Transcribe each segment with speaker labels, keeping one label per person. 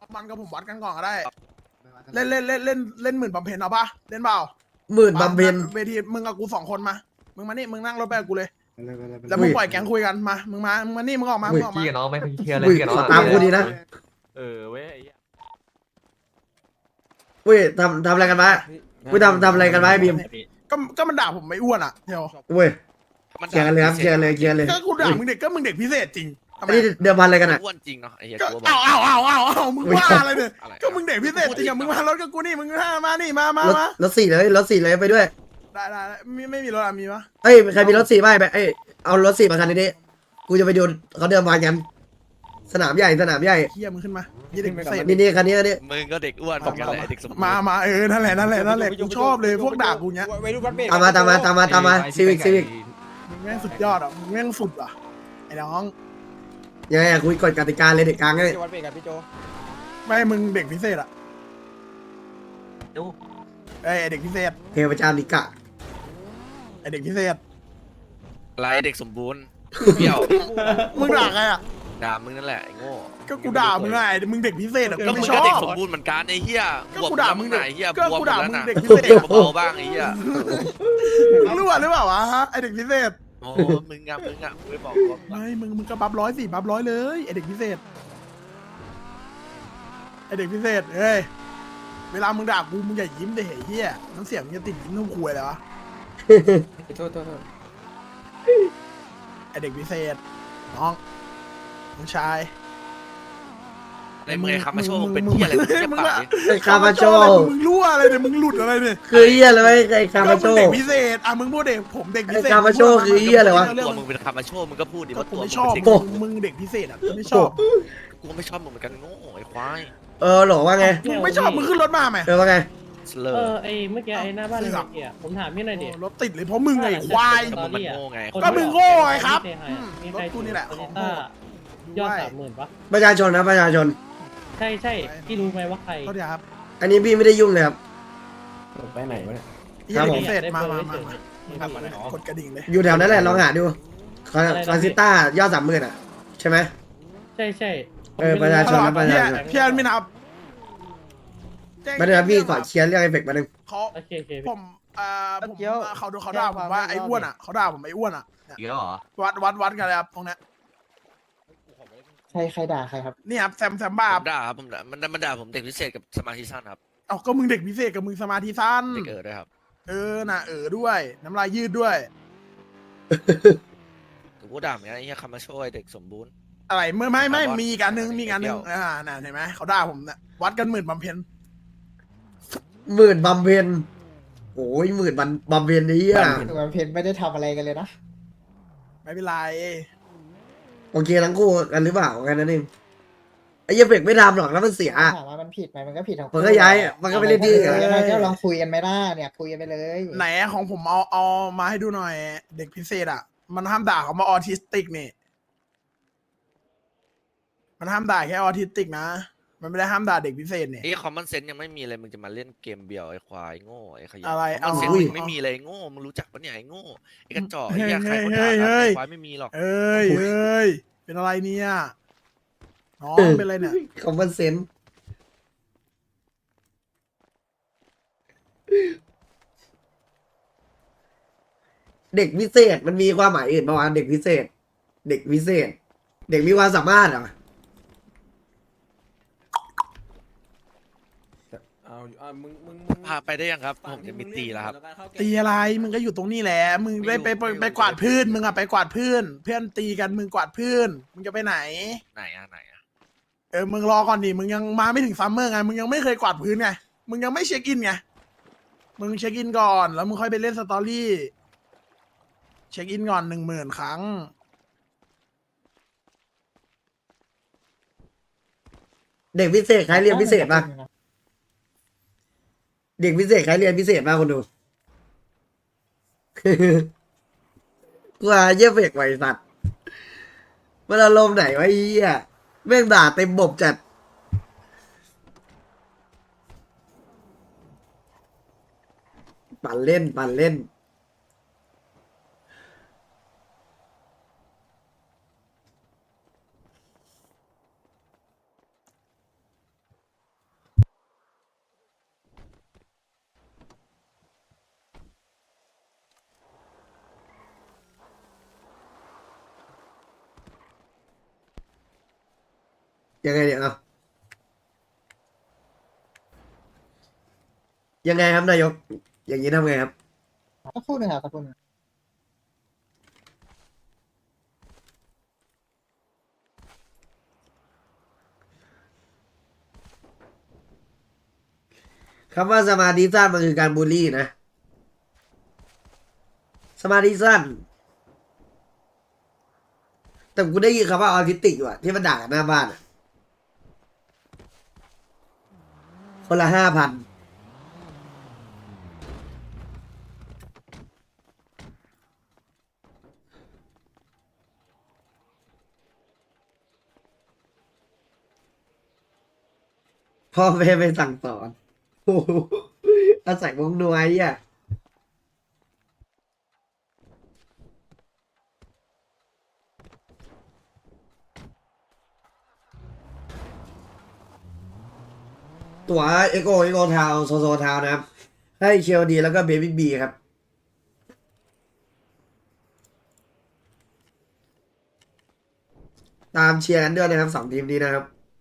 Speaker 1: มันกับผมวัดกันก่อนก็ได้เล่นหมื่นบำเพ็ญเอาปะเล่นเปล่า
Speaker 2: หมื่นบำเพ็ญ
Speaker 1: เวทีมึงกับกู2 คนมามึงมานี่มึงนั่งรถไปกับกูเลย
Speaker 3: ไปเลยไปเลยไปเลย
Speaker 1: แล้วมึงปล่อยแก๊งคุยกันมามึงมานี่มึงออกมามึงออกมา
Speaker 4: พี่กับน้องไม่เคลียร์เลย
Speaker 2: อุ้ย
Speaker 4: พี่กับน้อง
Speaker 2: ขอตามกูดีนะ
Speaker 4: เว้ยไอ้เหี้ย
Speaker 2: เว้ยทำอะไรกันวะเว้ยทำอะไรกันวะไอ้บีม
Speaker 1: ก็มันด่าผมไม่อ้วนอ่ะเดี๋ยว
Speaker 2: เว้ยเคลียร์กันเลยครับเคลียร์เลย
Speaker 1: ก็กูด่ามึงเด็กก็มึงเด็กพิเศษจริงทำ
Speaker 2: อั
Speaker 1: ไม
Speaker 2: นนี้เดิมพันอะไรกันอ่ะ
Speaker 5: อ้วนจริงเนาะไอ้เหี้ย
Speaker 1: ก็
Speaker 5: กูบอก
Speaker 1: เอามึงว่าอะไรเนี่ย
Speaker 5: อะไร
Speaker 1: ก็มึงเด็กพิเศษจริงอะมึงมารถกับกูนี่มึงมานี่มาร
Speaker 2: ถรถสี่เลยไปด้วย
Speaker 1: ได้ไม่มีรถอะมีปะ
Speaker 2: เอ้ยใครมีรถสี่บ้างไปเอ้ยเอารถสี่มาคันนี้ดิกูจะไปดูเขาเดิมพันกันสนามใหญ่
Speaker 1: เฮียมึงขึ้นมายี่เด็กพิเศษ
Speaker 2: นี่คันนี้
Speaker 5: มึงก็เด็กอ้วนเหมือนกันแหละไอ้เด็กสมบูรณ์
Speaker 1: มานั่นแหละกูชอบเลยพวกด่ากูเนี้ย
Speaker 3: ไว้รูปรถเบรก
Speaker 2: ตามมาซีวิก
Speaker 1: มึงแม่งสุดยอดอ่ะมึงแม่งสุดอ่ะไอ้น้อง
Speaker 2: ยังไงอะคุยกฎกติกาเลยเด็กกลางเลย
Speaker 3: จะวัดเบรกกับพี่โจ
Speaker 1: ไม่มึงเด็กพิเศษอ่ะ
Speaker 4: ดู
Speaker 1: ไอ้เด็กพิเศษ
Speaker 2: เทพเจ้านิกะ
Speaker 1: ไอ้เด็กพิเศษ
Speaker 5: อะไรเด็กสมบูรณ์เปรี้ยว
Speaker 1: มึงด่าใครอ่ะ
Speaker 5: ด่ามึงนั่นแหละไอ้โง่
Speaker 1: ก็กูด่ามึงไงมึงเด็กพิเศษอ่ะ
Speaker 5: ก็
Speaker 1: กู
Speaker 5: มึ
Speaker 1: ไม่
Speaker 5: ง
Speaker 1: ช
Speaker 5: ก็
Speaker 1: อบ
Speaker 5: เด็กสมบูรณ์เหมือนกันไอ้เหี้ย
Speaker 1: ก็กูด่ามึง
Speaker 5: ไหนเหี้ย
Speaker 1: ก็
Speaker 5: บวม
Speaker 1: กู
Speaker 5: หมด
Speaker 1: ด่า
Speaker 5: แล้ว
Speaker 1: มึง
Speaker 5: นะ
Speaker 1: เด็กพิ
Speaker 5: เบ
Speaker 1: เศษ
Speaker 5: าๆบ้างไอ้เหี้ย
Speaker 1: มึงรู้หรือเปล่าวะฮะไอ้เด็กพิเศษ
Speaker 5: โอ้มึงอะไม่บอกว่า
Speaker 1: ไม่มึงก็บัฟ100สิบัฟ100เลยไอ้เด็กพิเศษไอ้เด็กพิเศษเฮ้ยเวลามึงด่ากูมึงอย่ายิ้มเด้ไอ้เหี้ยน้ำเสียงมึงจะติดยิ้มทุ่มควยเลยวะ
Speaker 3: โทษ
Speaker 1: ไอเด็กพิเศษน้องน้องชาย
Speaker 5: ในมือคำมาโชว์มึงเป็นเหี้ยอะไรมึงเหี้ยปากดิ
Speaker 2: ไอ้คามาโช
Speaker 1: มึงรั่วอะไรเนี่ยมึงหลุดอะไรเนี่ย
Speaker 2: คือเหี้ยเลยไอ้คามาโช
Speaker 1: ก็งเด็กพิเศษอ่ะมึงพูดเด็กผมเด็กพิเศษ
Speaker 2: ไอ้คามาโชคือเหี้ยอะไรวะ
Speaker 5: ตัวมึงเป็นคำมาโชว์มึงก็พูดดิ
Speaker 1: ก็
Speaker 5: ว่า
Speaker 1: กู
Speaker 5: ตัวมึ
Speaker 1: ไม่
Speaker 5: ง
Speaker 1: ชอบ
Speaker 5: เป็นเด็ก
Speaker 1: มึงเด็กพิเศษอ่ะกูไม่ชอบ
Speaker 5: กูไม่ชอบมึงเหมือนกันโง่ไอ้ควาย
Speaker 2: หรอว่าไง
Speaker 1: มึงไม่ชอบมึงขึ้นรถมาไหม
Speaker 2: ว่าไง
Speaker 5: สเลอ
Speaker 6: เอ
Speaker 5: ร์
Speaker 6: อไอเมื่อกี้ไอหน้าบ้านไอเมื่อกี้อะผมถามพี่หน่อยดิ
Speaker 1: รถติดเลยเพราะมึงไงควาย
Speaker 5: ก็มึงมันโง่ไง
Speaker 1: ก็มึงโง่ไงครับ
Speaker 6: มี
Speaker 1: รถ
Speaker 6: ใคร
Speaker 1: กูนี่แหละ
Speaker 6: โต
Speaker 1: ของ
Speaker 6: ต้า
Speaker 1: โง่
Speaker 6: ยอด
Speaker 1: ด้วย
Speaker 6: 30,000ปะ
Speaker 2: ประชาชนนะประชาชน
Speaker 6: ใช่พี่รู้ไหมว่าใคร
Speaker 1: ก็เดี๋ยวครับ
Speaker 2: อันนี้พี่ไม่ได้ยุ่งเลยครับ
Speaker 3: ไปไหนวะเนี่ย
Speaker 1: ไอ้
Speaker 2: ครับ
Speaker 1: เด็ก
Speaker 2: ผม
Speaker 1: พิเศษมา
Speaker 6: ได้
Speaker 1: มึง
Speaker 6: เบอร์เฉย
Speaker 1: กดกระดิ่งเลย
Speaker 2: อยู่แถวนั้นแหละลองหาดูคาซิต้ายอด30,000อ่ะใช่ไหม
Speaker 6: ใช่
Speaker 2: ประชาชนนะประชาชน
Speaker 1: พี่อันไม่นับ
Speaker 2: มาเดี๋ยวพี่ขอเคลียร์เรื่องไอ้เฟกมาหนึ่ง
Speaker 1: เขา
Speaker 6: โอเค
Speaker 1: ผมเขาด่าผมว่าไอ้อ้วนอ่ะเขาด่าผมไอ้อ้วนอ่ะ
Speaker 4: อีกแล้วเหรอ
Speaker 1: วัดกันเลยครับตรงเนี้ย
Speaker 3: ใครด่าใครครับ
Speaker 1: นี่ครับแซมบ้า
Speaker 5: ผมด่าครับผมด่ามันด่าผมเด็กพิเศษกับสมาธิสั้นครับ
Speaker 1: เอาก็มึงเด็กพิเศษกับมึงสมาธิสั้น
Speaker 5: เด็กด้วยครับ
Speaker 1: น่ะด้วย น้ำลายยืดด้วย
Speaker 5: กูด่าเหมือนกันไอ้เหี้ยคำมาโชว์ไอ้เด็กสมบูรณ์
Speaker 1: อะไรไม่
Speaker 5: ถามว่า
Speaker 1: มีอีกอันนึงน่ะเห็นไหมเขาด่าผมน่ะวัดกันหมื่นบำเพ็ญ
Speaker 2: หมื่นบำเพ็ญโอ้ย10,000บำเพ็ญนี้อ่ะ
Speaker 3: มันเพนไม่ได้ทำอะไรกันเลยนะ
Speaker 1: ไม่เป็นไร
Speaker 2: โอเคทั้งคู่กันหรือเปล่ากันนั่นเองไอ้เหี้ยเฟกไม่ทำหรอกแล้วมันเสีย
Speaker 3: ถามว่ามันผิดไหมมันก็ผิดของ
Speaker 2: มันก็ย้ายมันก็ไปเล่นที่อื่น
Speaker 3: ยังไงก็ลองคุยกันไม่ได้เนี่ยคุยกันไปเลย
Speaker 1: ไหนของผมเอามาให้ดูหน่อย เด็กพิเศษอ่ะ มันห้ามด่าเขามาออทิสติกนี่มันห้ามด่าแค่ออทิสติกนะมันไม่ได้ห้ามด่าเด็กพิเศษเนี่ย
Speaker 5: ไอ้คอมมอนเซนส์ยังไม่มีเลยมึงจะมาเล่นเกมเบียวไอ้ควายโง่ไอ้ขยะ
Speaker 1: อะไร
Speaker 5: คอมมอนเซน
Speaker 1: เอา
Speaker 5: ส์มึงไม่มีเลยโง่มึงรู้จักปะเนี่ยไอ้โง่ไอ้กระจอกไอ้เหี้ยใครเขาด่ากัน
Speaker 1: เฮ้ย
Speaker 5: ไอ้ควายไม่มีหรอก
Speaker 1: เอ้ยเป็นอะไรเนี่ยน้องเป็นอะไรเนี่ย
Speaker 2: คอมมอนเซนส์เด็กพิเศษมันมีความหมายอื่นประมาณเด็กพิเศษ เด็กพิเศษ เด็กมีความสามารถเหรอ
Speaker 3: เอามึง
Speaker 5: พาไปได้ยังครับผมจะมีตีแล้วครับ
Speaker 1: ตีอะไรมึงก็อยู่ตรงนี้แหละมึงไปกวาดพื้นมึงอะไปกวาดพื้นเพื่อนตีกันมึงกวาดพื้นมึงจะไปไหน
Speaker 5: ไหนอะ
Speaker 1: มึงรอก่อนดิมึงยังมาไม่ถึงซัมเมอร์ไงมึงยังไม่เคยกวาดพื้นไงมึงยังไม่เช็คอินไงมึงเช็คอินก่อนแล้วมึงค่อยไปเล่นสตอรี่เช็คอินก่อน10,000 ครั้ง
Speaker 2: เด็กพิเศษใครเรียนพิเศษป่ะเด็กพิเศษใครเรียนพิเศษป่ะคนดู กูว่าเยี่ยเฟกไว้สัตว์มันอารมณ์ไหนวะไอ้เหี้ยแม่งด่าเต็มบบจัดปั่นเล่นยังไงเนี่ยเอายังไงครับนายก อย่างนี้ทำไงครับ
Speaker 3: สักครู่หนึ่งครับสักครู่หนึ่ง
Speaker 2: คำว่าสมาธิสั้นมันคือการบูลลี่นะ สมาธิสั้น แต่กูได้ยินคำว่าออทิสติกอยู่อะที่มันด่ากันหน้าบ้านอะคนละ5,000พ่อแม่ไม่สั่งสอนโอ้โหอาศัยวงนวยอ่ะตั๋วเอโกทาวโซโซทาวนะครับ ให้เชลดีแล้วก็เบบี้บีครับ ตามเชียร์กันด้วยนะครับ2 ทีมนี้นะครับ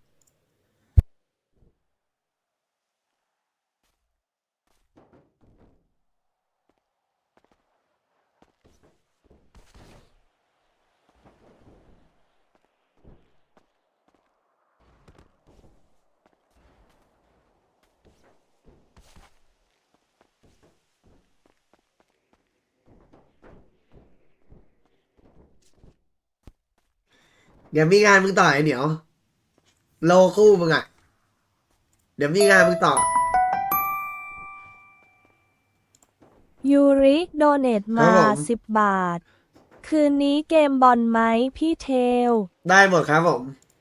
Speaker 2: เดี๋ยวมีงานมึงต่อไอเหนียว โลคู่มึงอ่ะ เดี๋ยวมีงานมึงต่อ
Speaker 7: ยูริโดเนต
Speaker 2: ครั
Speaker 7: มา
Speaker 2: บผม
Speaker 7: 10 บาท คืนนี้เกมบอลไหมพี่เทล
Speaker 2: ได้หมดครับผม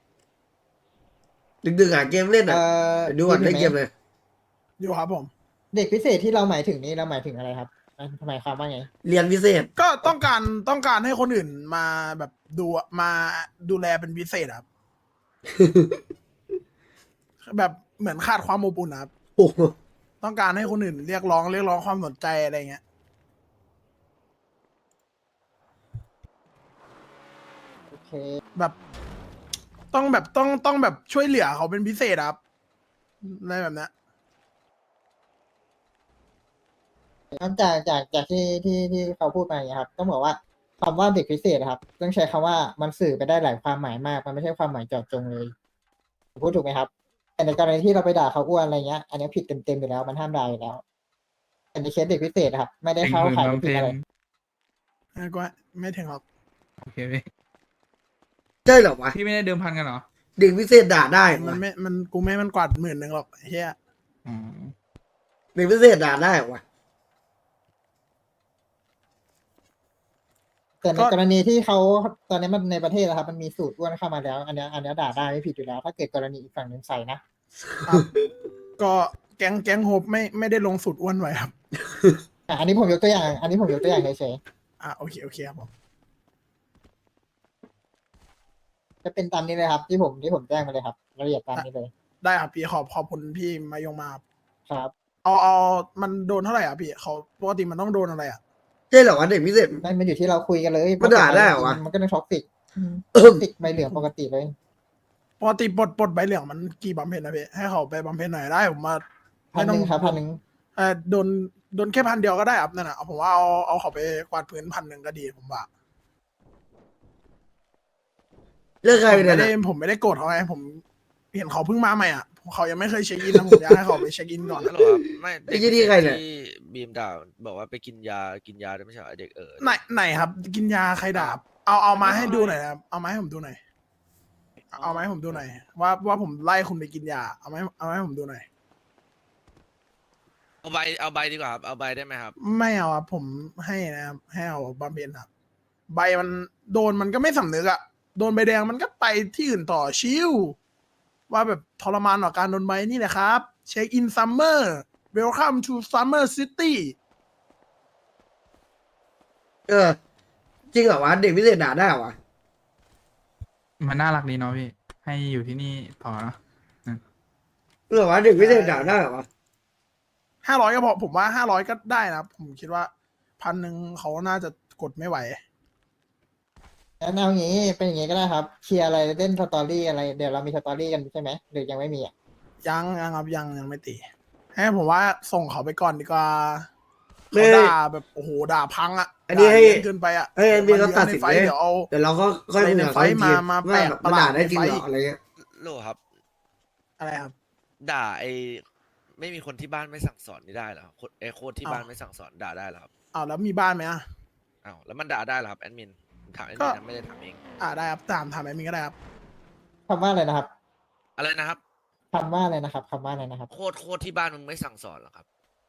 Speaker 2: ดึกๆอ่ะเกมเล่นอ่ะเดี๋ยวดูก่อน
Speaker 3: มี
Speaker 2: ได้
Speaker 3: ไหม
Speaker 2: เกมเลย
Speaker 1: อยู่ครับผม
Speaker 3: เด็กพิเศษที่เราหมายถึงนี่เราหมายถึงอะไรครับหมายความว่าไง
Speaker 2: เรียนพิเศษ
Speaker 1: ก็ต้องการให้คนอื่นมาแบบมาดูแลเป็นพิเศษครับ แบบเหมือนขาดความอบอุ่นนะครับ
Speaker 2: โอ้โห
Speaker 1: ต้องการให้คนอื่นเรียกร้องความสนใจอะไรเงี้ย
Speaker 3: โอเค
Speaker 1: แบบต้องแบบช่วยเหลือเขาเป็นพิเศษครับอะไรแบบเนี้ย
Speaker 3: นอกจากที่เขาพูดมาอย่างเงี้ยครับต้องบอกว่าคำว่าเด็กพิเศษนะครับ ต้องใช้คำว่ามันสื่อไปได้หลายความหมายมาก มันไม่ใช่ความหมายเจาะจงเลยพูดถูกไหมครับ แต่ในกรณีที่เราไปด่าเขาอ้วนอะไรเงี้ย อันนี้ผิดเต็มๆอยู่แล้วมันห้ามด่าอยู่แล้วแต่ในเคสเด็กพิเศษนะครับ ไม่ได้เข้าข่ายผิดอะไร
Speaker 1: ก็ไม่ถึงหรอก
Speaker 8: โอเคพี่
Speaker 2: ใช่เหรอวะ
Speaker 8: พี่ไม่ได้เดิมพันกันเหรอ
Speaker 2: เด็กพิเศษด่าได้เหรอ
Speaker 1: มัน
Speaker 2: วะ
Speaker 1: ไม่มันกูไม่ให้มันกวาด10,000หรอกเฮีย
Speaker 8: อ๋อ
Speaker 2: เด็กพิเศษด่าได้เหรอวะ
Speaker 3: แต่ในกรณีที่เขาตอนนี้มันในประเทศนะครับ มันมีสูตรอ้วนเข้ามาแล้ว อันนี้ด่าได้ไม่ผิดอยู่แล้ว ถ้าเกิดกรณีอีกฝั่งหนึ่งใส่นะ
Speaker 1: ครับก็แก๊งโฮปไม่ได้ลงสุดอ้วนไว้ครับ
Speaker 3: อันนี้ผมยกตัวอย่าง อันนี้ผมยกตัวอย่างเฉย
Speaker 1: โอเคครับผม
Speaker 3: ๆจะเป็นตามนี้เลยครับ ที่ผมแจ้งมาเลยครับรายละเอียดตามนี้เลย
Speaker 1: ได้ครับพี่ขอบคุณพี่มายงมาครับ
Speaker 3: ครับ
Speaker 1: เอามันโดนเท่าไหร่อ่ะพี่เขาปกติมันต้องโดนอะไรอ่ะ
Speaker 2: ใช่เหรอวะเด็กพิเศษ
Speaker 3: นั่นมันอยู่ที่เราคุยกันเลย
Speaker 2: มันด่าได้เหรอวะ
Speaker 3: มันก็เป็นท็อกซิก
Speaker 2: เออ
Speaker 3: ท็อกซิกใบเหลืองปกติเลย
Speaker 1: ปกติปลดใบเหลืองมันกี่บำเพ็ญนะพี่ให้เขาไปบำเพ็ญหน่อยได้ผมมา
Speaker 3: 1,000ครับ1,000
Speaker 1: โดนแค่1,000ก็ได้ครับนั่นน่ะผมว่าเอาเขาไปกวาดพื้น1,000ก็ดีผมว่า
Speaker 2: เรื่องใคร
Speaker 1: ผม
Speaker 2: เนี่ย
Speaker 1: ไม่ได้
Speaker 2: นะ
Speaker 1: ผมไม่ได้โกรธเขาไงผมเห็นเขาเพิ่งมาใหม่อ่ะเขายังไม่เคยเช็คอินนะผมอยากให้เขาไปเช็คอินก่อน
Speaker 5: ฮัลโหลครับไม่
Speaker 2: ไอ้ยี่นี่ใครเนี่ย
Speaker 5: ที่บีมด่าบอกว่าไปกินยาด้วยไม่ใช่เหรอเด็ก
Speaker 1: ไหนครับ กินยาใครด่าเอามาให้ดูหน่อยนะครับเอามาให้ผมดูหน่อยเอามาให้ผมดูหน่อยว่าผมไล่คุณไปกินยาเอามาให้ผมดูหน่อย
Speaker 5: เอาใบดีกว่าครับเอาใบได้ไหมครับ
Speaker 1: ไม่เอาครับผมให้นะครับให้เอาบำเพ็ญครับใบมันโดนมันก็ไม่สำนึกอะโดนใบแดงมันก็ไปที่อื่นต่อชิวว่าแบบทรมานต่อการโดนใบนี่แหละครับเช็คอินซัมเมอร์เวลคัมทูซัมเมอร์ซิตี้
Speaker 2: เออ จริงเหรอวะเด็กพิเศษด่าได้เหรอวะ
Speaker 8: มันน่ารักดีเนาะพี่ ให้อยู่ที่นี่พอเนาะ
Speaker 2: เหรอวะเด็กพิเศษด่าได้เหรอวะ
Speaker 1: 500ก็พอผมว่า500ก็ได้นะครับผมคิดว่า1,000เขาน่าจะกดไม่ไหว
Speaker 3: งั้นเอางี้เป็นอย่างงี้ก็ได้ครับเคลียร์อะไรเล่นสตอรี่อะไรเดี๋ยวเรามีสตอรี่กันใช่ไหมหรือยังไม่มีอ่ะ
Speaker 1: ยังครับยังไม่ตีให้ผมว่าส่งเขาไปก่อนดีกว่า
Speaker 2: ไม่
Speaker 1: เขาด่าแบบโอ้โหด่าพังอ่ะ
Speaker 2: อันนี้ให้
Speaker 1: ด่าเยอะเกินไปอ่ะ
Speaker 2: ให้มีเขาตัดสิน
Speaker 1: ไฟ
Speaker 2: เลย
Speaker 1: เดี๋ยวเอา
Speaker 2: เดี๋ยวเราก็ค่อยคุยกับเขาอีกที
Speaker 1: มา
Speaker 2: ว่า
Speaker 1: แปะ
Speaker 2: แบบ
Speaker 1: ประ
Speaker 2: มัน
Speaker 1: หลาด
Speaker 2: ด่าได้จริงเหร
Speaker 1: ใน
Speaker 2: อ
Speaker 1: ไฟ
Speaker 2: อะไรเงี้ย
Speaker 5: โลครับ
Speaker 1: อะไรครับ
Speaker 5: ด่าไม่มีคนที่บ้านไม่สั่งสอนนี่ได้เหรอครับโค้ดที่บ้านไม่สั่งสอนด่าได้เหรอครับ
Speaker 1: อ้าวแล้วมีบ้านไหมอ่ะ
Speaker 5: อ้าวแล้วมันด่าได้เหรอครับแอดมินผมถามแอด
Speaker 1: ก็
Speaker 5: มินนะไม่ได้ถามเอง
Speaker 1: ได้ครับถามแอดมินก็ได้ครับ
Speaker 3: คำว่าอะไรนะครับ
Speaker 5: อะไรนะครับ
Speaker 3: คำว่าอะไรนะครับคำว่าอะไรนะครับ
Speaker 5: โค้ดที่บ้านมึงไม่สั่งสอนเหรอครับ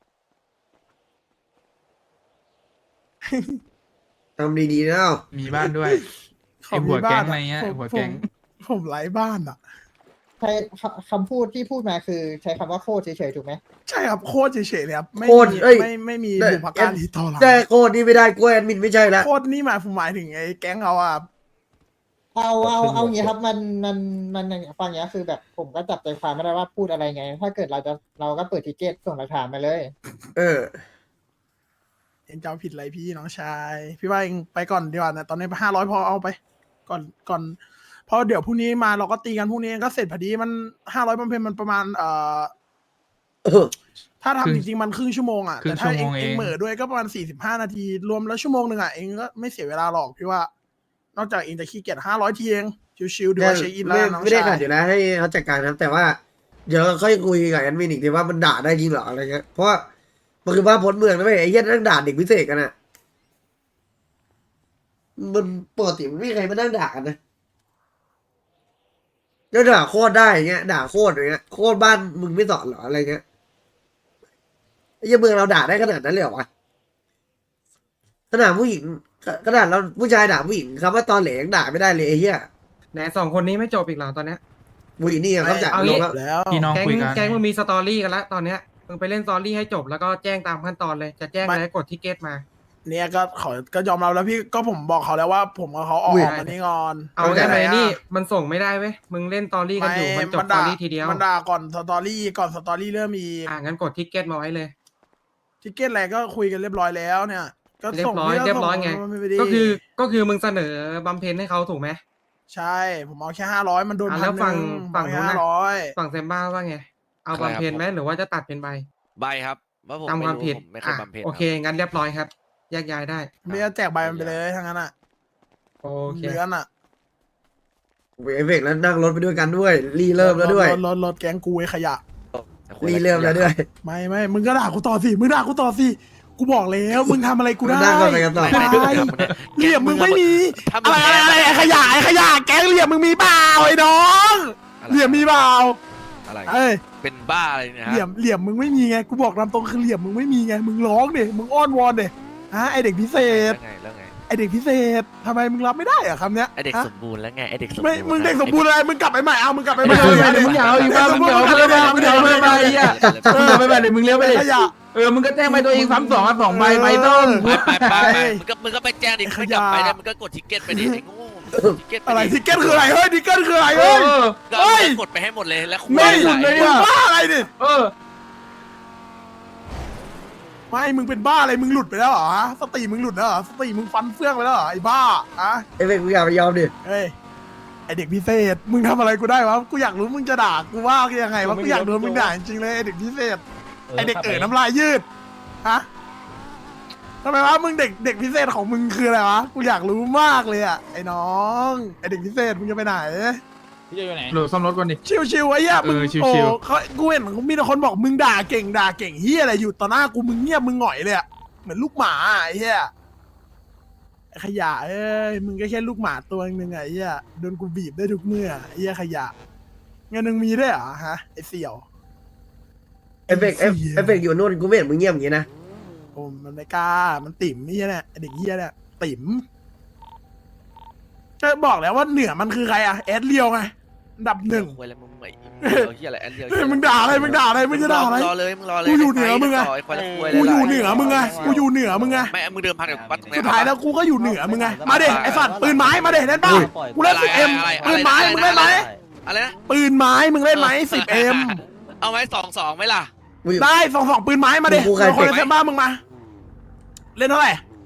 Speaker 2: ทำดีๆนะ
Speaker 8: มีบ้านด้วย ไอ้หัวแก๊งอะไรเงี้ย
Speaker 1: ผม
Speaker 8: หัวแก๊ง
Speaker 1: ผมไร้บ้านอ่ะ
Speaker 3: ใช้คำพูดที่พูดมาคือใช้คำว่าโคตรเฉยๆถูกไหม
Speaker 1: ใช่ครับโคตรเฉยๆเลยครับไม่
Speaker 2: โคตร
Speaker 1: มี
Speaker 2: เอ้ย
Speaker 1: ไม่มี
Speaker 2: ได้
Speaker 1: บุพการีต่อหลัง
Speaker 2: แต่โคตรนี่ไม่ได้กล้วยแอดมินไม่ใช่ละ
Speaker 1: โคตรนี่หมายถึงไอ้แก๊งเราอ่ะ
Speaker 3: เอาอย่างนี้ครับมันฟังอย่างนี้คือแบบผมก็จับใจความไม่ได้ว่าพูดอะไรไง ถ้าเกิดเราก็เปิดทิเกตส่งหลักฐานมาเลย
Speaker 2: เออ
Speaker 1: เองจะเอาผิดอะไรพี่น้องชาย พี่ว่าเองไปก่อนดีกว่านะตอนนี้500พอเอาไป ก่อนเพราะเดี๋ยวพรุ่งนี้มาเราก็ตีกันพรุ่งนี้ก็เสร็จพอดีมัน500บำเพ็ญมันประมาณถ้า
Speaker 8: ครึ่ง
Speaker 1: ทำจริงๆมันครึ่งชั่วโมงอ่ะ
Speaker 8: ครึ่
Speaker 1: แต่
Speaker 8: ง
Speaker 1: ถ้า
Speaker 8: ชั่วโมง
Speaker 1: เอง
Speaker 8: เอง
Speaker 1: เหม่อด้วยก็ประมาณ45นาที รวมแล้วชั่วโมงหนึ่งอ่ะเองก็ไม่เสียเวลาหรอกพี่ว่า นอกจากเองจะขี้เกียจ500ทีเองชิวๆดูว่าเช็คอินแล้วน้อง
Speaker 2: ไม่ได้
Speaker 1: ชา
Speaker 2: ขัด
Speaker 1: ย
Speaker 2: อยู่นะให้เขาจัดการนะแต่ว่าเดี๋ยวค่อยคุยกับแอดมินอีกทีว่ามันด่าได้จริงเหรออะไรเงี้ยเพราะว่ามันคือบ้านพ้นเมืองนะไม่ไอ้เหี้ยนั่งด่าเด็กพิเศษกันอ่ะมันปกติมันไม่มีใครมานั่งด่ากันนะแล้วด่าโคตรได้อย่างเงี้ยด่าโคตรอย่างเงี้ยโคตรบ้านมึงไม่สอนเหรออะไรเงี้ยไอ้เหี้ยเมืองเราด่าได้ขนาดนั้นเลยเหรอวะขนาดผู้หญิงขนาดเราผู้ชายด่าผู้หญิงคำว่าตอนเหลยังด่าไม่ได้เลยไอ้เหี้ย
Speaker 9: ไหนสองคนนี้ไม่จบอีกเหรอตอนเนี้ย
Speaker 2: ผู้หญิงนี่เขาจ่าย
Speaker 9: เอา
Speaker 2: ล
Speaker 9: งี้
Speaker 2: งแล้ว
Speaker 1: แล้ว
Speaker 8: พี่น้อง
Speaker 9: แก๊ง
Speaker 8: คุยกัน
Speaker 9: แก๊งมึงมีสตอรี่กันแล้วตอนเนี้ยมึงไปเล่นสตอรี่ให้จบแล้วก็แจ้งตามขั้นตอนเลยจะแจ้งอะไรกดทิเกตมา
Speaker 1: เนี่ยก็ยอมรับแล้วพี่ก็ผมบอกเขาแล้วว่าผมกับเขาออก
Speaker 2: อุ้ย
Speaker 1: มานี่ก่อน
Speaker 9: เอาได้ไหมนี่มันส่งไม่ได้เว้ยมึงเล่นสตอรี่กันอยู่มันจบสตอรี่ทีเดียว
Speaker 1: มันด่าก่อนสตอรี่เริ่มมี
Speaker 9: งั้นกดทิเกตมาไว้เลย
Speaker 1: ทิเก็ตอะไรก็คุยกันเรียบร้อยแล้วเนี่ย ก็
Speaker 9: เรีย
Speaker 1: ส่ง
Speaker 9: บร้อย
Speaker 1: พี่
Speaker 9: เรียบร้อยไง
Speaker 1: ส่ม่ปดิ
Speaker 9: ก็คือมึงเสนอบำเพ็ญให้เขาถูกไหม
Speaker 1: ใช่ผมเอาแค่500มันโดน
Speaker 9: แล้ว
Speaker 1: 1,100
Speaker 9: ฝั่งนู้นน่ะ
Speaker 1: 500
Speaker 9: ฝั่งเซมบ้าว่าไงเอาบำเพ็ญไหมหรือว่าจะตัดเป็นใบ
Speaker 5: ใบครับว่าผม
Speaker 9: ตาม
Speaker 5: ไม่
Speaker 9: ความ
Speaker 5: รู้
Speaker 9: ผิด
Speaker 5: ผมไม่เคยบำเพ็ญ
Speaker 9: โอเคงั้นเรียบร้อยครับแยกย้ายได้
Speaker 1: ไม่จะแจกใบมันไปเลยทั้งนั้นอ่ะ
Speaker 9: โอเค
Speaker 1: เดือนอ่ะ
Speaker 2: เอฟเฟกต์แล้วนั่งรถไปด้วยกันด้วย รีเริ่มแล้วด้วย
Speaker 1: รถแก๊งกูไอ้ขยะ
Speaker 2: รีเริ่มแล้วด้วย
Speaker 1: ไม่มึงก็ด่ากูต่อสิมึงด่ากูต่อสิกูบอกแล้วมึงทำอะไรกูได้
Speaker 2: นั่งก่อนไปกันต่อ
Speaker 1: ไม่เหลี่ยมมึงไม่มี
Speaker 5: ถ้า
Speaker 1: อะไรไอ้ขยะแก๊งเหลี่ยมมึงมีเปล่าไอ้น้องเหลี่ยมมีเปล่า
Speaker 5: อะไร
Speaker 1: เอ้ย
Speaker 5: เป็นบ้าอะไรเนี่ยฮะ
Speaker 1: เหลี่ยมมึงไม่มีไงกูบอกตามตรงคือเหลี่ยมมึงไม่มีไงมึงร้องดิมึงอ้อนวอนดิฮะไอเด็กพิเศษ
Speaker 5: แล้วไง
Speaker 1: ไอเด็กพิเศษทำไมมึงรับไม่ได้อะคำเนี้ย
Speaker 5: ไอเด็ก
Speaker 1: ฮะ
Speaker 5: สมบูรณ์แล้วไงไอเด็กสมบูรณ์
Speaker 1: ไม่มึงเด็กสมบูรณ์อะไรมึงกลับไปใหม่เอามึงกลับไปให
Speaker 8: มึ
Speaker 1: ม่
Speaker 8: งเอาอีกบ้างมึงเอาเพิ่มมามึงเอาเพิ่มมาไอ้เหี้ยมึงเอาไปแบบเดี๋ยวมึงเลี้ยวไปดิ
Speaker 1: ขยะ
Speaker 8: มึงก็แจ้งไปตัวเองซ้ำสองใบใบต้ม
Speaker 5: ไปมึงก็ไปแจ้งดิใครกลับไปได้มึงก็กดทิเก็ตไปดิไอ้โง่ทิเก็ต
Speaker 1: อะไรทิเก็ตคืออะไรเฮ้ยทิเก็ตคืออะไรเฮ้ย
Speaker 5: ก็
Speaker 1: เฮ้ย
Speaker 5: กดไปให้หมดเลยแล้วคุ
Speaker 1: ไม่
Speaker 5: ย
Speaker 1: มึง
Speaker 5: หลาย
Speaker 1: บ้าอะไรดิ
Speaker 8: เออ
Speaker 1: ไม่มึงเป็นบ้าอะไรมึงหลุดไปแล้วเหรอฮะสติมึงหลุดแล้วเหรอสติมึงฟันเฟื่องไปแล้วเหรอไอ้บ้าอะ
Speaker 2: เอฟเฟกต์กูอยากไปยอมดิ
Speaker 1: เฮ้ยไอเด็กพิเศษมึงทำอะไรกูได้วะกูอยากรู้มึงจะด่ากูว่ายังไงวะกูอยากโดนมึงด่าจริงๆเลยไอเด็กพิเศษไอเด็กน้ำลายยืดฮะทำไมวะมึงเด็กพิเศษของมึงคืออะไรวะกูอยากรู้มากเลยอะไอ้น้องไอเด็กพิเศษมึงจะไปไหน
Speaker 6: พี่จะอยู่ไหน
Speaker 8: โหลดซ่อมรถก่อนดิ
Speaker 1: ชิวๆไอ้เหี้ยมึง
Speaker 8: ชิวๆ
Speaker 1: โอ้เขากูเห็นมีแต่คนบอกมึงด่าเก่งเฮียอะไรอยู่ต่อหน้ากูมึงเงียบมึงหงอยเลยอะเหมือนลูกหมาอะไอ้เหี้ยไอ้ขยะเอ้ยมึงก็แค่ลูกหมาตัวนึงไงไอ้เหี้ยโดนกูบีบได้ทุกเมื่อไอ้เหี้ยขยะเงินมึงมีด้วยเหรอฮะไอ้เสี่ยว
Speaker 2: เอฟเฟกต์เอฟเฟกต์อยู่นู่นกูไม่เห็นมึงเงียบอย่างงี้นะ
Speaker 1: โอ้มันไม่กล้ามันติ่มนี่เนี่ยไอ้เด็กเหี้ยเนี่ยติ่มก็บอกแล้วว่าเหนือมันคือใครอะแอดเลียวไงอันดับหนึ่ง
Speaker 5: คุยอะไรมึงไม่เฮียอะไรอันเดียว
Speaker 1: เฮ้ยมึงด่าอะไรมึงจะด่าอะไร
Speaker 5: รอเลยมึงรอเลย
Speaker 1: กูอยู่เหนือมึงไง กูอยู่เหนือมึงไงกูอยู่เหนือมึงไง
Speaker 5: ไม่มึงเดิมพันกับปั๊ตรงนี้
Speaker 1: สุดท้ายแล้วกูก็อยู่เหนือมึงไง มาเด็ไอ้สัตว์ปืนไม้มาเด็เล่นป่ะกูเล่น10M ปืนไม้มึงเล่นไหม
Speaker 5: อะไรนะ
Speaker 1: ปืนไม้มึงเล่นไหม10M
Speaker 5: เอาไว้2-2ไหมล่ะ
Speaker 1: ได้2ปืนไม้มาเด็คนในเซมบ้ามึงมา เล่นเท่าไหร่
Speaker 5: เ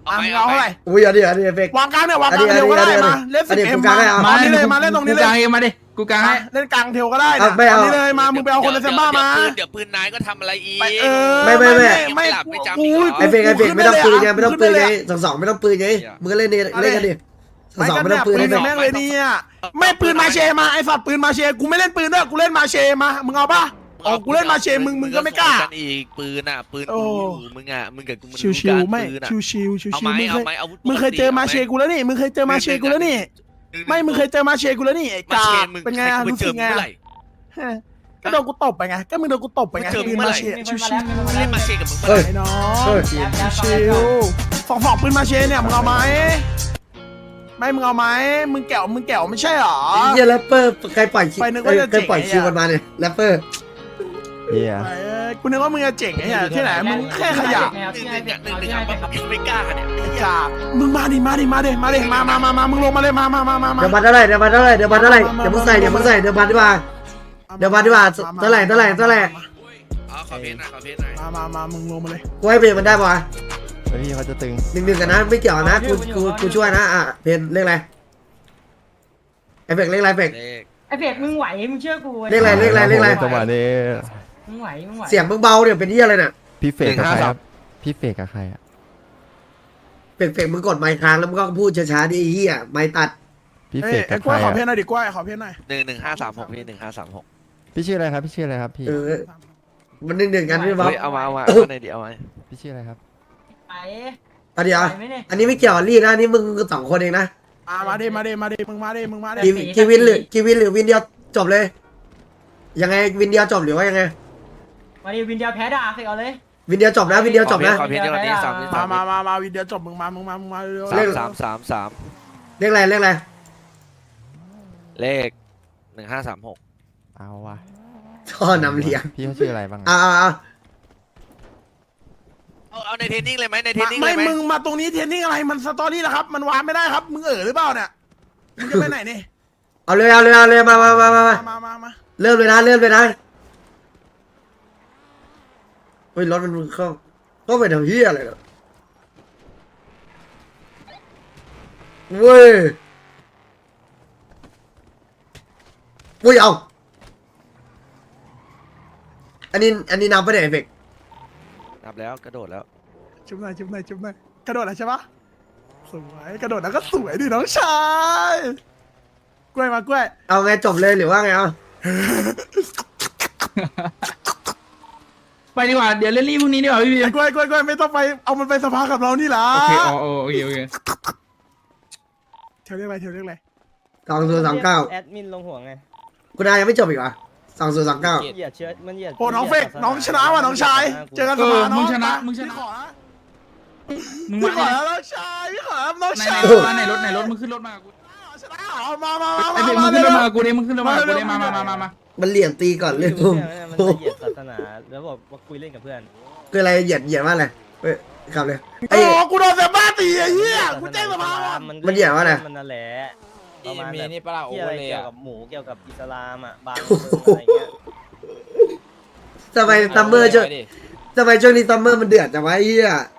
Speaker 5: เอาไหม
Speaker 1: เอาเท่าไหร่
Speaker 2: อุ้ยอันนี้เฟก
Speaker 1: วางกลางเนี่ยวางกลางเทลก็ได้มาเล่น
Speaker 2: อันนี้
Speaker 1: 10M
Speaker 2: กูกลางให้เอา
Speaker 1: มานี่เลยมาเล่นตรงนี้เลย
Speaker 8: กูกลางเองมาดิกูกลางให้
Speaker 1: เล่นกลางเทลก็ได้
Speaker 2: เอาไม่เอา
Speaker 1: นี่เลยมามึงไปเอาคนในเซมบ้ามา
Speaker 5: เดี๋ยวปืนนายก็ทำอะไรอีก
Speaker 1: เออ
Speaker 2: ไม่
Speaker 1: ไม่
Speaker 5: หลับไม่จำ
Speaker 1: กู
Speaker 5: อีกเหรอ
Speaker 2: ไอเฟกไม่ต้องปืนไงไม่ต้องปืนไง
Speaker 1: ขึ้
Speaker 2: สองไม่ต้องปืนไงมึงก็เล่นกันดิสองไม่ต้องปืน
Speaker 1: ปื
Speaker 2: เล่
Speaker 1: น
Speaker 2: น
Speaker 1: กับแม่งเลยเนี่ยไม่ปืนมาเชมาไอ้สัตว์ปืนมาเชกูไม่เล่นปืนด้วยกูเล่นมาเชมามึงเอาป่ะอ๋อกูเล่นมาเชมึงก็ไม่กล้า
Speaker 5: กันอีกปืนอ่ะปืน
Speaker 1: โอ้
Speaker 5: กูอยู่มึงอ่ะมึงกับกูมัน
Speaker 1: ชิวๆไม่
Speaker 5: ปืนอะ
Speaker 1: ชิวๆชิว
Speaker 5: เอา
Speaker 1: ๆ
Speaker 5: ไหม
Speaker 1: มึงเค
Speaker 5: เอา
Speaker 1: ย
Speaker 5: ไหมอาวุธ
Speaker 1: มึงเคยเจอมาเชกูแล้วนี่มึงเคยเจอมาเชกูแล้วนี่ไม่มึงเคยเจอมาเชกูแล้วนี่ไอ้
Speaker 5: มาก
Speaker 1: า
Speaker 5: เช
Speaker 1: ก
Speaker 5: มึง
Speaker 1: เป็นไงอะ
Speaker 5: มึ
Speaker 1: รู้
Speaker 5: เจ
Speaker 1: สึ
Speaker 5: อก
Speaker 1: ไง
Speaker 5: เมื่อ
Speaker 1: อะ
Speaker 5: ไหร่
Speaker 1: ฮะก็โดนกูตบไปไงก็มึงโดนกูตบไปไง
Speaker 5: มึงเจอ
Speaker 1: ปืน
Speaker 5: เมื่อ
Speaker 1: มา
Speaker 5: ไหร่
Speaker 1: เชชิว
Speaker 5: เล่นมาเชกับมึง
Speaker 2: เออ
Speaker 1: ๆไอ้น้องชิวๆฝอกปืนมาเชเนี่ยมึงเอาไหมไม่มึงเอาไหมมึงแก้วไม่ใช่หรอ
Speaker 2: เฮียแรปเปอร์ใครปล่อย
Speaker 1: ไปนึกว่าจะ
Speaker 2: ใครปล่อย
Speaker 1: เจ๋งไอ้
Speaker 2: คิวมันมาเนี่ยแรปเปอร์
Speaker 8: เฮีย
Speaker 1: กูนึกว่ามึงจะเจ๋งไอ้เหี้ยที่ไหนมึงแค่ขยะ
Speaker 5: หนึ่งอ่ะมึงไม่กล้าเนี่ย
Speaker 1: กาบมึงมาดิมามึงลงมาเลยมา
Speaker 2: เดี๋ยวบัตรเท่าไหร่เดี๋ยวบัตรเท่าไหร่เดี๋ยวมึงใส่เดี๋ยวบัตรดีกว่าเท่าไหร่
Speaker 5: อ๋อขอเพลงหน่อยขอเพลงหน่อย
Speaker 1: มามึงลงมาเลย
Speaker 2: กูให้เพลงมันได้ป่ะ
Speaker 8: พี่เขาจะตึง
Speaker 2: 1-1กันนะไม่เกี่ยวนะกูช่วยนะอ่ะเพลงเลขอะไรไอเฟกเลขอะไรเฟก
Speaker 5: เลข
Speaker 3: ไอเฟกมึงไหวมึงเชื่อกู
Speaker 2: เลขอะไร
Speaker 8: จังหวะนี้
Speaker 3: มึงไหว
Speaker 2: เสียงมึงเบาเดี๋ยวเป็นที่อะไรน่ะ
Speaker 8: พี่เฟกกับใครครับพี่เฟกกับใครอ่ะ
Speaker 2: เฟกมึงกดไมค์ค้างแล้วมึงก็พูดช้าๆดิไอ้เหี้ยไมค์ตัด
Speaker 8: พี่
Speaker 1: เอ้
Speaker 8: เฟ
Speaker 1: ย
Speaker 8: ก
Speaker 1: ไอ้
Speaker 8: กับ
Speaker 1: ก
Speaker 8: ใค
Speaker 1: ล้วย
Speaker 8: ร
Speaker 1: ขอ
Speaker 8: อ่ะ
Speaker 1: เพลงหน่อยดิกล้วยขอเพลงหน่อย
Speaker 5: 1536พี่1536
Speaker 8: พี่ชื่ออะไรครับพี่ชื่ออะไรครับพี่
Speaker 2: มัน1-1กันพี่บ๊อบ
Speaker 5: เฮ้ยเอามาในดิเอามา
Speaker 8: พี่ชื่ออะไรครับ
Speaker 3: ไป
Speaker 2: อันเดียวอันนี้ไม่เกี่ยวกับรีดนะนี่มึง2คนเองนะ
Speaker 1: มาดิมึงมาดิ
Speaker 2: กีวินหรือวินเดียวจบเลย ยังไงวินเดียวจบหรือว่ายังไง
Speaker 3: มาดิวินเดียวแพ้ด่าเฟกเอาเลย
Speaker 2: วินเดียวจบนะวินเดียวจบนะ
Speaker 5: ขอเพลงจังหวะนี้3
Speaker 1: มาวิดีโอจบมึงมาเร็ว
Speaker 2: เลข
Speaker 5: 3
Speaker 2: เลขอะไร
Speaker 5: เลข1536
Speaker 8: เอาว่ะ
Speaker 2: ท่อนำเลี้ยง
Speaker 8: พี่เขาชื่ออะไรบ้าง
Speaker 2: อ่า
Speaker 5: เอาในเทรนนิ่งเลยไหมในเทรนนิ่งเล
Speaker 1: ไม่
Speaker 5: ยไหม
Speaker 1: มึงมาตรงนี้เทรนนิ่งอะไรมันสตอรี่นะครับมันวางไม่ได้ครับมึงหรือเปล่าเนี่ยมึงจะไปไหนนี่
Speaker 2: เอาเลยมา
Speaker 1: มา
Speaker 2: เริ่มเลยนะเฮ้ยรถมันเข้าไปทำเหี้ยอะไรเนาะเว้ยเอาอันนี้นับไปไหนเอฟเฟก
Speaker 5: นับแล้วกระโดดแล้ว
Speaker 1: จุ๊บหน่อยกระโดดแล้วใช่ปะสวยกระโดดแล้วก็สวยดิน้องชายกล้วยมากล้วย
Speaker 2: เอาไงจบเลยหรือว่าไงเอา
Speaker 8: ไปดีกว่าเดี๋ยวเล่นรีพรุ่งนี้ดีกว่าพี่
Speaker 1: ไอ้กล้วยไม่ต้องไปเอามันไปสภากับเรานี่ล่ะ
Speaker 8: โอเคโอเค
Speaker 1: เทลเรียกอะไร
Speaker 2: 2029
Speaker 10: แอดมินลงหัวไง
Speaker 2: คุณนายยังไม่จบอีกเหรอ2029
Speaker 10: เหยียดเชื้อมันเหยียด
Speaker 1: โอ้น้องเฟกน้องชนะว่ะน้องชายเจอกันสภาน้อง
Speaker 8: มึงชนะ
Speaker 1: พี่ขอนะ
Speaker 8: มึง
Speaker 1: พี่
Speaker 8: มา
Speaker 1: ขอแล้วน้องชายพี่ขอแล้วน้อง
Speaker 8: ใน
Speaker 1: ชาย
Speaker 8: รถมึงขึ้นรถมากู
Speaker 1: ชนะเหรอมา
Speaker 8: ไอเฟกมึงขึ้นรถมากูดิมึงขึ้นรถมากูดิมา
Speaker 2: มันเหลี่ยมตีก่อนเรื่อง
Speaker 10: มันจะเหยียดศาสนาแล้วบอกว่าคุยเล่นกับเพื่อน
Speaker 2: คืออะไรเหยียดว่าอะไรเฮ้ยขับเลย
Speaker 1: โอ้กูโดนเซบ้าตีไอ้เหี้ยกูแจ้งสภาว่ะ
Speaker 2: มันเหยียดว่าอะไร
Speaker 10: มันนั่นแหละประมาณ
Speaker 4: มี
Speaker 10: แบบ
Speaker 4: นี่ปะล่ะโอ
Speaker 10: ที่
Speaker 4: เว
Speaker 10: อะ
Speaker 4: อ
Speaker 10: ไร
Speaker 4: ร์เลย
Speaker 10: เกี่ยว
Speaker 4: อะ
Speaker 10: กับหมูเกี่ยวกับอิสลามอ่ะบางอะไรเงี้ย
Speaker 2: ทำไมซัมเมอร์ช่วงนี้ซัมเมอร์มันเดือดจังวะไอ้เหี้ย